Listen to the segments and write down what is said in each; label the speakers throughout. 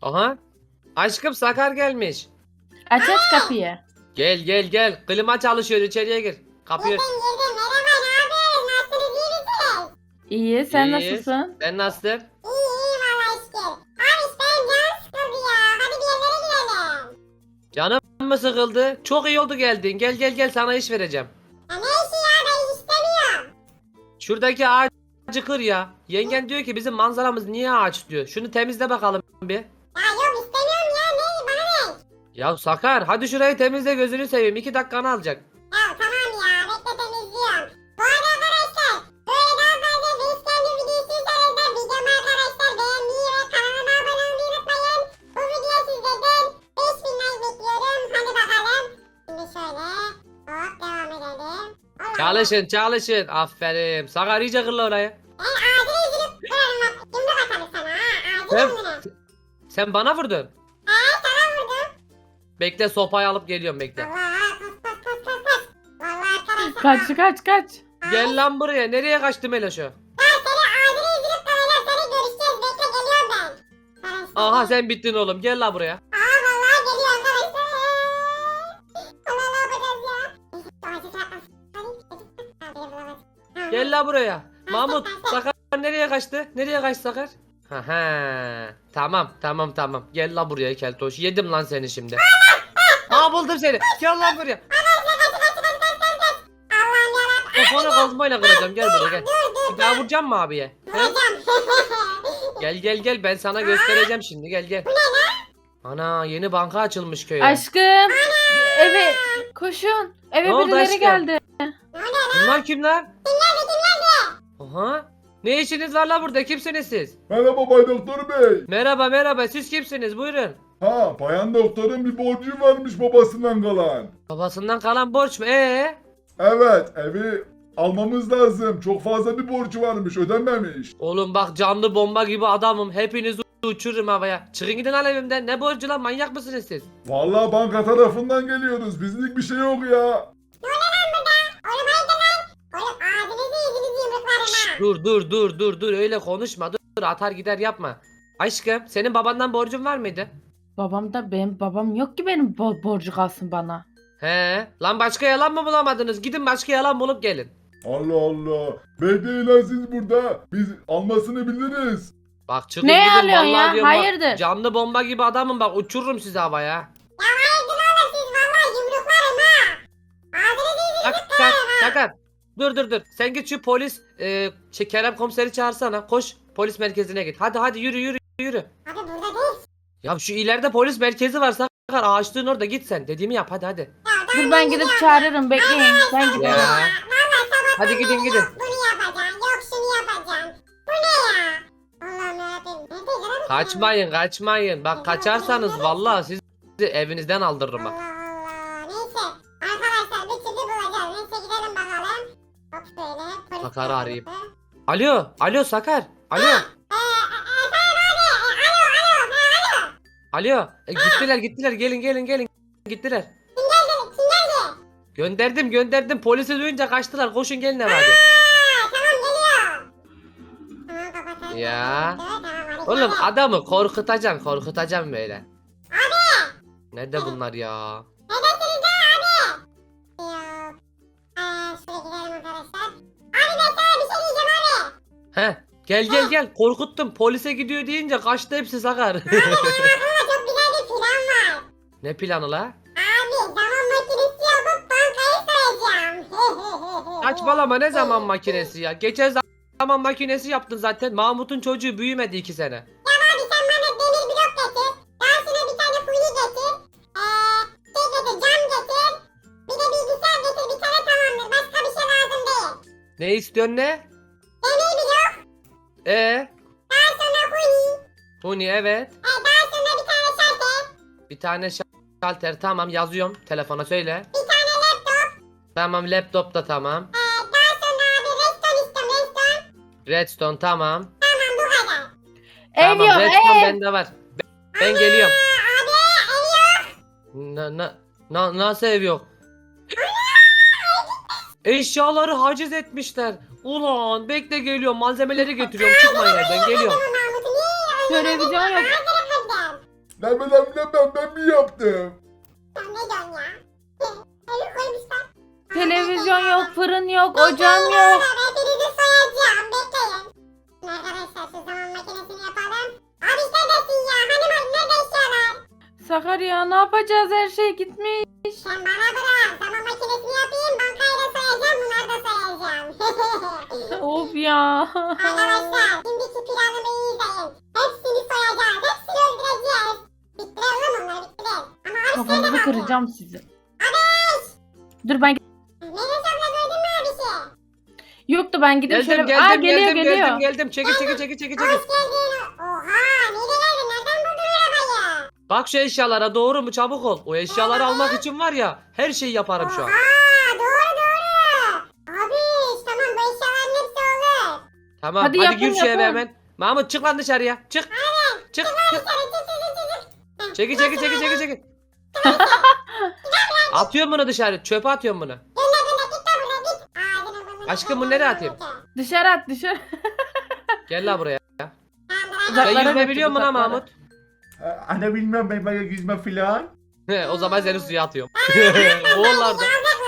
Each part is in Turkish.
Speaker 1: Aha. Aşkım Sakar gelmiş.
Speaker 2: Aç kapıyı.
Speaker 1: Gel gel gel. Klima çalışıyor, içeriye gir. Kapıyı.
Speaker 3: Girdim girdim. Merhaba ne yapıyorsunuz? Nasılsınız iyi misiniz?
Speaker 2: İyi, sen
Speaker 1: İyiyiz.
Speaker 2: nasılsın?
Speaker 1: Sen nasılsın?
Speaker 3: İyi valla şükür. Abi işte benim canım sıkıldı ya. Hadi bir yerlere gidelim.
Speaker 1: Canım mı sıkıldı? Çok iyi oldu geldin. Gel gel gel, sana iş vereceğim.
Speaker 3: Ya ne işi ya ben iş istemiyorum.
Speaker 1: Şuradaki ağacı kır ya. Yengen diyor ki bizim manzaramız niye ağaç diyor. Şunu temizle bakalım bir.
Speaker 3: Ya yok istemiyorum ya ne bana ne?
Speaker 1: Ya Sakar hadi şurayı temizle, gözünü seveyim. 2 dakikanı alacak.
Speaker 3: Ya tamam ya bekle temizliyorum. Bu arada arkadaşlar böyle daha fazla Basecamp videosu istiyorsanız da videomu arkadaşlar beğenmeyi ve kanalıma abone olmayı unutmayın. Bu video sizlerden 5000 like bekliyorum. Hadi bakalım. Şimdi şöyle hop devam edelim. Allah
Speaker 1: Çalışın çalışın. Aferin. Sakar iyice kırla orayı.
Speaker 3: ben ağzını üzülüp kırarım bak. Yumruk atarım sana ha. Ağzını
Speaker 1: Sen,
Speaker 3: yumruğuna.
Speaker 1: sen bana vurdun.
Speaker 3: Sana vurdum.
Speaker 1: Bekle, sopayı alıp geliyorum, bekle.
Speaker 3: Allah kas. Vallahi arkadaşlar.
Speaker 2: Kaç.
Speaker 1: Gel lan buraya. Nereye kaçtı Meloş'u?
Speaker 3: Ben seni ağzını üzülüp kırarım. Seni görüşeceğiz. Bekle geliyorum ben. Arkadaşlar.
Speaker 1: Aha sen bittin oğlum. Gel la buraya.
Speaker 3: Vallahi geliyor arkadaşlar. Allah ne yapacağız ya? Neyse, ağacı çarpmasın. Hadi bulamadım.
Speaker 1: Gel la buraya. Mahmut, Sakar nereye kaçtı? Nereye kaçtı Sakar? Haha. Tamam. Gel la buraya keltoş. Yedim lan seni şimdi. Aa, buldum seni. Gel lan buraya.
Speaker 3: Allah'ım yarabbim.
Speaker 1: Kafana kazmayla kıracağım. Gel buraya gel.
Speaker 3: Dur.
Speaker 1: Bir daha vuracağım mı abiye? He?
Speaker 3: Hocam.
Speaker 1: Gel ben sana göstereceğim şimdi. Gel. Ana, yeni banka açılmış köye.
Speaker 2: Aşkım. Eve koşun. Eve
Speaker 1: Ne oldu
Speaker 2: birileri
Speaker 1: aşkım?
Speaker 2: geldi.
Speaker 3: Ne oluyor lan?
Speaker 1: Bunlar kimler?
Speaker 3: Kimlerdi?
Speaker 1: Aha. Ne işiniz var la burada? Kimsiniz siz?
Speaker 4: Merhaba Bay Doktor Bey.
Speaker 1: Merhaba. Siz kimsiniz? Buyurun.
Speaker 4: Ha, bayan doktorun bir borcu varmış babasından kalan.
Speaker 1: Babasından kalan borç mu?
Speaker 4: Evet, evi almamız lazım. Çok fazla bir borcu varmış, ödenmemiş.
Speaker 1: Oğlum bak, canlı bomba gibi adamım. Hepinizi uçururum havaya. Çıkın gidin lan evimden. Ne borcu lan? Manyak mısınız siz?
Speaker 4: Vallahi banka tarafından geliyoruz. Bizlik bir şey yok ya.
Speaker 3: Oğlum haydi lan. Oğlum ağzınızı yüzünüzü yumruklarım ha.
Speaker 1: Dur. Öyle konuşma. Dur. Atar gider yapma. Aşkım, senin babandan borcun var mıydı?
Speaker 2: Benim babam yok ki benim borcu kalsın bana.
Speaker 1: He. Lan başka yalan mı bulamadınız? Gidin başka yalan bulup gelin.
Speaker 4: Allah Allah. Bekleyin lan siz burada. Biz almasını biliriz.
Speaker 1: Bak çıkın
Speaker 2: Ne
Speaker 1: gidin.
Speaker 2: alıyorsun
Speaker 1: Vallahi
Speaker 2: ya?
Speaker 1: diyorum bak,
Speaker 2: Hayırdır?
Speaker 1: canlı bomba gibi adamım, bak uçururum sizi havaya.
Speaker 3: Ya haydi oğlum siz vallahi yumruklarım ha. Ağzınızı yüzünüzü
Speaker 1: Sakar. Dur. Sen git şu polis Kerem komiseri çağırsana. Koş polis merkezine git. Hadi yürü.
Speaker 3: Abi burada değil.
Speaker 1: Ya şu ileride polis merkezi var Sakar. Ağaçlığın orada, git sen. Dediğimi yap hadi.
Speaker 3: Ya
Speaker 2: Dur ben gidip çağırırım. Bekleyin. Ben giderim.
Speaker 1: Ya.
Speaker 3: Vallahi sabah
Speaker 1: Hadi gidin.
Speaker 3: bunu yapacaksın. Yok şunu yapacaksın. Bu ne ya? Allah'ım yarabbim. Nerede
Speaker 1: Kaçmayın. Bak kaçarsanız vallahi sizi evinizden aldırırım bak.
Speaker 3: Allah. Neyse. Arkadaşlar bir türlü bulacağız. Neyse gidelim bakalım. Hop şöyle. Polis
Speaker 1: Sakar'ı arayayım.
Speaker 3: merkezi.
Speaker 1: Alo Sakar. Alo. Alo. Gittiler. Gelin. Gittiler.
Speaker 3: Kim geldi?
Speaker 1: Gönderdim. Polisi duyunca kaçtılar. Koşun gelin hadi.
Speaker 3: Tamam geliyor. Tamam kapatalım.
Speaker 1: Ya.
Speaker 3: Tamam hadi.
Speaker 1: Oğlum
Speaker 3: hadi.
Speaker 1: adamı korkutacaksın böyle. Abi. Nerede bunlar ya?
Speaker 3: Neredesiniz lan abi? Yok. Şuraya gidelim arkadaşlar. Abi ben sana bir şey diyeceğim abi.
Speaker 1: Gel. Korkuttum. Polise gidiyor deyince kaçtı hepsi Sakar.
Speaker 3: Abi benim aklımda çok güzel bir plan var.
Speaker 1: Ne planı la?
Speaker 3: Abi zaman makinesi yapıp bankayı soyacağım.
Speaker 1: Saçmalama, ne zaman makinesi ya? Geçen zaman makinesi yaptın zaten. Mahmut'un çocuğu büyümedi 2 sene.
Speaker 3: Abi sen bana demir blok getir. Daha sonra bir tane funi getir. Cam getir. Bir de bilgisayar getir. Bir tane tamamdır. Başka bir şey lazım değil.
Speaker 1: Ne istiyorsun ne?
Speaker 3: Demir blok. Daha sonra funi.
Speaker 1: Huni evet.
Speaker 3: Daha sonra bir tane şalter.
Speaker 1: Bir tane şalter, tamam, yazıyorum. Telefona söyle.
Speaker 3: Bir tane laptop.
Speaker 1: Tamam, laptop da tamam.
Speaker 3: Daha sonra abi redstone istiyorum.
Speaker 1: Redstone tamam.
Speaker 3: Tamam bu kadar.
Speaker 2: Ev
Speaker 1: Tamam,
Speaker 2: yok
Speaker 1: redstone
Speaker 2: ev.
Speaker 1: bende var. Ben geliyorum.
Speaker 3: Abi ev yok.
Speaker 1: Nasıl ev yok? Eşyaları haciz etmişler. Ulan bekle, geliyorum. Malzemeleri getiriyorum. Çıkmayın evden, geliyorum.
Speaker 3: Mahmut'u niye öyle
Speaker 2: Televizyon yok.
Speaker 3: Her tarafından.
Speaker 4: Ne bileyim ben mi yaptım?
Speaker 3: Sen ne diyorsun ya? Evi koymuşlar.
Speaker 2: Televizyon yok, fırın yok, ocağım yok.
Speaker 3: Hepinizi soyacağım. Bekleyin. Arkadaşlar şu zaman makinesini yapalım. Abi neredesin ya? Hani nerede eşyalar?
Speaker 2: Sakar ya ne yapacağız, her şey gitmiş.
Speaker 3: Sen bana bırak. Zaman makinesini yapayım. Bankayı da soyacağım. Bunları da soyacağım.
Speaker 2: Of ya.
Speaker 3: Arkadaşlar şimdiki planımı iyi izleyin. Hepsini soyacağız. Hepsini öldüreceğiz. Bittiler oğlum onlar bittiler. Ama abi
Speaker 2: Kafanızı
Speaker 3: nerede kaldı?
Speaker 2: kıracağım sizi. Dur ben
Speaker 3: Melis abla gördün mü abisi?
Speaker 2: yoktu, ben gidip
Speaker 1: Geldim
Speaker 2: şöyle.
Speaker 1: geldim
Speaker 2: Geliyor
Speaker 1: geldim
Speaker 2: geliyor.
Speaker 1: geldim. Çekil.
Speaker 3: Hoş geldin. Oha nereye geldin? Nereden buldun arabayı?
Speaker 1: Bak şu eşyalara, doğru mu, çabuk ol. O eşyaları almak için var ya, her şeyi yaparım şu an.
Speaker 3: Oha doğru. Abi tamam bu eşyaların hepsi olur.
Speaker 1: Tamam
Speaker 2: Hadi
Speaker 1: hadi,
Speaker 2: yapın,
Speaker 1: gir şu eve
Speaker 2: yapın.
Speaker 1: hemen. Mahmut çık lan dışarıya. Çık. Çık. Çekil. Atıyorum bunu dışarı. Çöpe atıyorum bunu. Aşkım, bu nereye atayım?
Speaker 2: Dışarı at dışarı.
Speaker 1: Gel la buraya. Sen
Speaker 2: Uzaklara
Speaker 1: yüzme
Speaker 2: götür,
Speaker 1: biliyor musun lan
Speaker 2: uzaklara.
Speaker 1: Mahmut?
Speaker 4: Anne bilmiyorum ben yüzme filan.
Speaker 1: He, o zaman seni suya atıyorum. Boğullarda.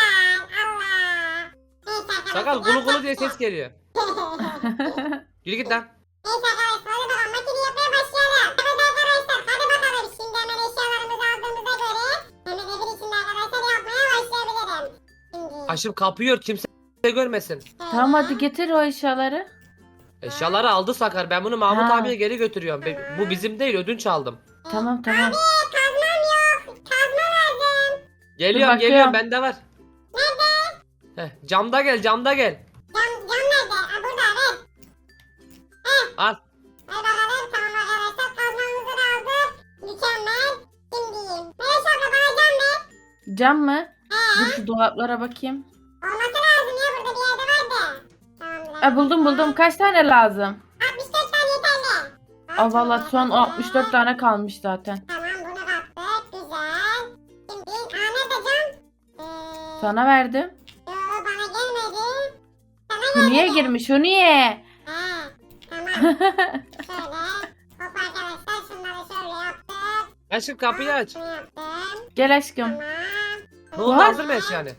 Speaker 1: Sakal gulu gulu diye ses geliyor. Yürü git lan.
Speaker 3: Neyse arkadaşlar hadi bakalım makineyi yapmaya başlayalım. Evet arkadaşlar hadi bakalım şimdi hemen eşyalarımızı aldığımıza göre hemen evin içinde arkadaşlar yapmaya başlayabilirim. Şimdi
Speaker 1: Aşkım kapıyı ört, kimse görmesin.
Speaker 2: Tamam hadi getir o eşyaları.
Speaker 1: Eşyaları aldı Sakar. Ben bunu Mahmut
Speaker 2: Ha.
Speaker 1: abiye geri götürüyorum. Bu bizim değil, ödünç aldım.
Speaker 2: Tamam.
Speaker 3: kazmam yok. Kazma lazım.
Speaker 1: Geliyorum
Speaker 2: bakıyorum.
Speaker 1: geliyorum, bende var. Nerede? Camda gel.
Speaker 3: Cam nerede? Ha burada ver.
Speaker 1: Al.
Speaker 3: Hadi bakalım tamam arkadaşlar kazmamızı da aldık. Mükemmel. Şimdi Melis abla bana cam ver.
Speaker 2: Cam mı? Dur şu dolaplara bakayım.
Speaker 3: Olması lazım ya burada bir yerde vardı. Tamamdır.
Speaker 2: Buldum. Kaç tane lazım?
Speaker 3: 64 tane yeterli.
Speaker 2: Aa valla son 64 tane kalmış zaten.
Speaker 3: Tamam bunu kattık. Güzel. Şimdi nerede cam?
Speaker 2: Sana verdim.
Speaker 3: Yo, bana gelmedi. Sana
Speaker 2: Bu niye
Speaker 3: geldi.
Speaker 2: girmiş? O niye?
Speaker 3: Tamam. Şöyle. Hop arkadaşlar şunları şöyle yaptık.
Speaker 1: Aşkım kapıyı aç.
Speaker 3: Bunu yaptım.
Speaker 2: Gel aşkım.
Speaker 3: Tamam.
Speaker 1: Ne oldu,
Speaker 2: Var.
Speaker 1: hazır mı eşyanı?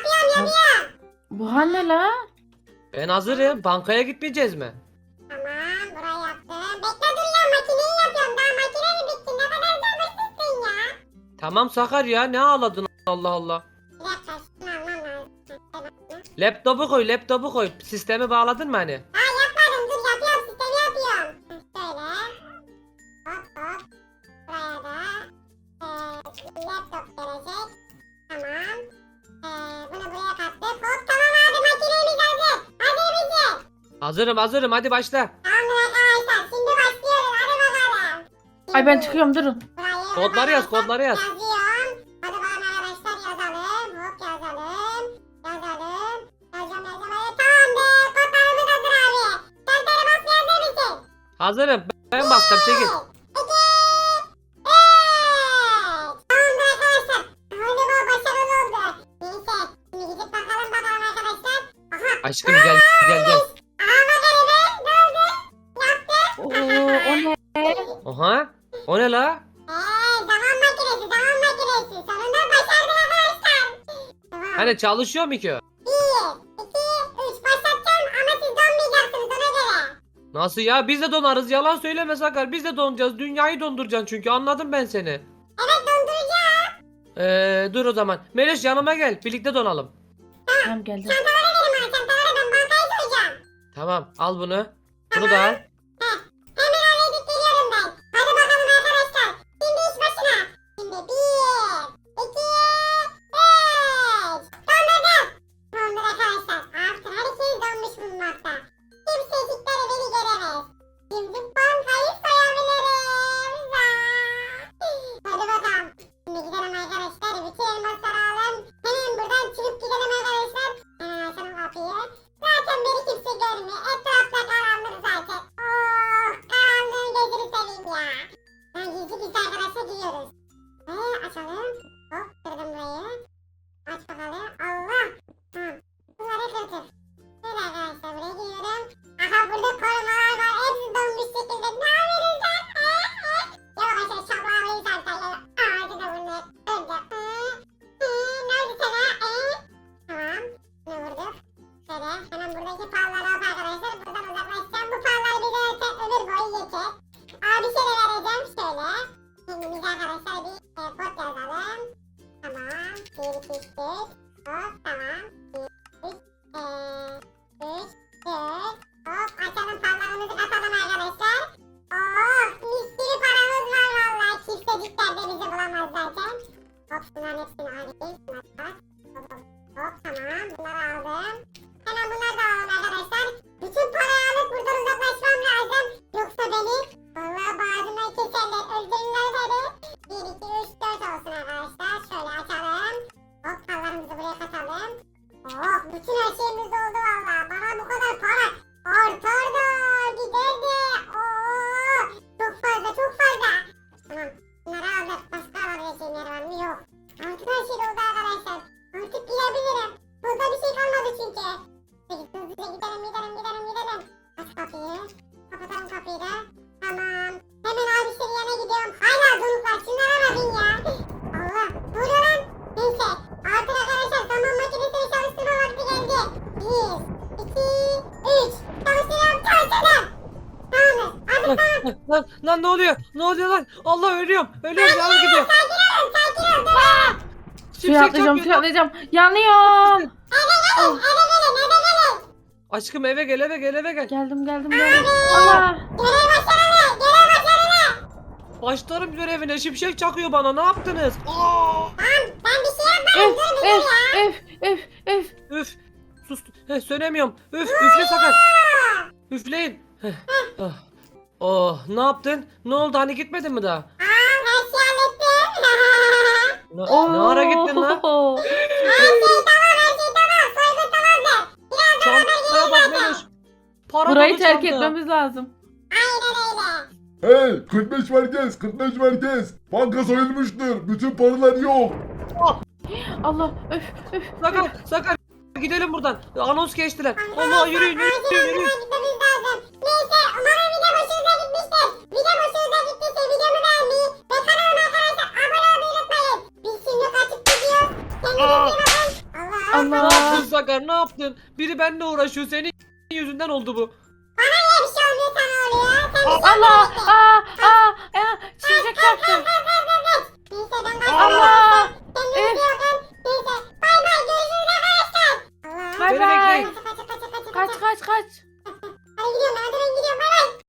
Speaker 2: Bu ne la?
Speaker 1: Ben hazırım. Bankaya gitmeyeceğiz mi?
Speaker 3: Tamam burayı yaptım. Bekle dur ya makineyi yapıyorum. Daha makine mi bitti? Ne kadar sabırsızsın ya.
Speaker 1: Tamam Sakar ya, ne ağladın, Allah Allah.
Speaker 3: Bir dakika şunu almam lazım. Tamam.
Speaker 1: Laptopu koy. Sistemi bağladın mı hani?
Speaker 3: Yapmadım dur yapıyorum sistemi yapıyorum. Şöyle. Hop hop. Buraya da laptop gelecek. Tamam. Bunu buraya kattık. Hop tamam abi makinemiz hazır. Hazır mısın?
Speaker 1: Hazırım, hadi başla.
Speaker 3: Tamamdır arkadaşlar şimdi başlıyoruz hadi bakalım.
Speaker 2: Ay ben çıkıyorum durun.
Speaker 3: Burayı
Speaker 1: Kodları yaz,
Speaker 3: arkadaşlar
Speaker 1: kodları yaz.
Speaker 3: Yazıyorum. Hadi bakalım arkadaşlar yazalım. Hop yazalım. Yazalım. Tamamdır. Kodlarımız hazır abi. Sen bas yazar mısın?
Speaker 1: Hazırım. Ben bastım, çekil.
Speaker 3: Tamamdır arkadaşlar. Galiba başarılı oldu. Neyse. Şimdi gidip bakalım arkadaşlar. Aha.
Speaker 1: Aşkım gel.
Speaker 3: Aha bakalım. Ne oldu? Yaptı.
Speaker 2: Oo, o ne?
Speaker 1: Oha. O ne la?
Speaker 3: Zaman makinesi. Sonunda başardık arkadaşlar. Tamam.
Speaker 1: Hani çalışıyor mu ki o?
Speaker 3: 1, 2, 3 başlatacağım ama siz donmayacaksınız ona göre.
Speaker 1: Nasıl ya? Biz de donarız. Yalan söyleme Sakar. Biz de donacağız. Dünyayı donduracaksın çünkü. Anladım ben seni.
Speaker 3: Evet donduracağım.
Speaker 1: Dur o zaman. Melis yanıma gel. Birlikte donalım.
Speaker 2: Tamam geldim.
Speaker 3: Çantaları verin bana çantaları ben bankayı soyacağım.
Speaker 1: Tamam. Al bunu. Bunu da al.
Speaker 3: Hemen oraya gidip geliyorum ben. Hadi bakalım arkadaşlar. Şimdi iş başına. Şimdi 1, 2, 3. Dondurdum. Dondur arkadaşlar. Artık herkes donmuş bulunmakta. Kimsecikleri beni göremez. Şimdi bankayı soyabilirim. Hadi bakalım. Şimdi gidelim arkadaşlar. Bütün elmasları alalım. Hemen buradan çıkıp gidelim arkadaşlar. Hemen açalım kapıyı. Zaten beni kimse görmüyor. Etrafta karanlık zaten. Oh karanlığın gözünü seveyim ya. Ben gizli arkadaşlar gidiyoruz. Açalım. Hop kırdım burayı. Aç bakalım. Allah. Tamam. Bunları kırdık. Şöyle arkadaşlar buraya giriyorum. Aha burada korumalar var. Hepsi donmuş şekilde. Ne yapıyorsunuz lan? Ya arkadaşlar şaplarıyı Şunu vurduk. Şöyle hemen buradaki palları alıp arkadaşlar buradan uzaklaşacağım. Bu pallar bize zaten ömür boyu yeter. Bir şey vereceğim şöyle. Kendimize arkadaşlar bir kod yazalım. Tamam. 1, 2, 3, 4. Hop tamam. 1, 2, 3, 4. Hop açalım pallarımızı katalım arkadaşlar. Mis gibi paramız var vallahi. Kimsecikler de bizi bulamaz zaten. Hop bunların hepsini alayım. Hop tamam. Bunları aldım. Hemen bunları da alalım arkadaşlar. Bütün parayı alıp buradan uzaklaşmam lazım. Yoksa beni vallahi bağrından keserler. Öldürürler beni. 1, 2, 3, 4 olsun arkadaşlar. Şöyle açalım. Hop paralarımızı buraya katalım. Bütün her şeyimiz oldu vallahi. Bana bu kadar para artar da giderdi. Çok fazla çok fazla. Tamam bunları aldık. Başka alabileceğim yer var mı? Yok. Artık her şey oldu arkadaşlar. Artık gidebilirim. Burada bir şey kalmadı çünkü. Peki hızlıca gidelim. Aç kapıyı. Kapatalım kapıyı da. Tamam. Hemen abişlerin yanına gidiyorum. Hala donuklar. Şunlara bakın ya. Allah. Ne oluyor lan? Neyse. Artık arkadaşlar zaman makinesini çalıştırma vakti geldi. 1, 2, 3. Çalıştırıyorum. Tamamdır. Artık tamam.
Speaker 1: Lan ne oluyor? Ne oluyor lan? Allah ölüyorum. Ölüyorum yanım gidiyor.
Speaker 3: Sakin ol. Dur.
Speaker 2: Suya atlayacağım, suya atlayacağım. Yanıyorum.
Speaker 3: Eve gelin.
Speaker 1: Aşkım eve gel.
Speaker 2: Geldim. Allah.
Speaker 3: Görev başarılı.
Speaker 1: Başlarım görevine şimşek çakıyor bana. Ne yaptınız?
Speaker 3: Ben bir şey yapmadım.
Speaker 2: Öf.
Speaker 1: Üf. Sus. Sönemiyorum. Üfle Sakar. Üfleyin. Ah. Oh ne yaptın? Ne oldu hani gitmedin mi daha?
Speaker 3: Her şeyi hallettim.
Speaker 1: Ne ara gittin lan?
Speaker 3: Her şey tamam. Soygun tamamdır.
Speaker 1: Çantaya bak Meloş. Para
Speaker 2: Burayı
Speaker 1: dolu
Speaker 2: terk
Speaker 1: çanta.
Speaker 2: etmemiz lazım.
Speaker 3: Aynen öyle.
Speaker 4: Hey 45 merkez. Banka soyulmuştur. Bütün paralar yok.
Speaker 2: Allah. Öf.
Speaker 1: Sakar gidelim buradan. Anons geçtiler. Allah
Speaker 3: Arkadaşlar,
Speaker 1: yürüyün.
Speaker 3: acilen buradan gitmemiz lazım. Neyse umarım video hoşunuza gitmiştir. Video hoşunuza gittiyse videomu beğenmeyi ve kanalıma arkadaşlar abone olmayı unutmayın. Biz şimdi kaçıp gidiyoruz. Kendinize iyi bakın.
Speaker 1: Ne
Speaker 2: Allah.
Speaker 1: yaptın Sakar ne yaptın? Biri benimle uğraşıyor. Senin yüzünden oldu bu.
Speaker 3: Niye bir şey olmuyor sana oluyor? Sen bir şey
Speaker 2: Allah.
Speaker 3: yapıyorsun.
Speaker 2: Şimşek çaktı.
Speaker 3: Neyse ben kaçıyorum.
Speaker 2: Allah.
Speaker 3: Kendinize iyi bakın. Neyse bay bay görüşürüz arkadaşlar. Allah.
Speaker 2: Bay
Speaker 1: Beni
Speaker 2: bay.
Speaker 1: bekleyin.
Speaker 3: Kaç.
Speaker 2: Kaç.
Speaker 3: Hadi gidiyorum ben gidiyorum bay bay.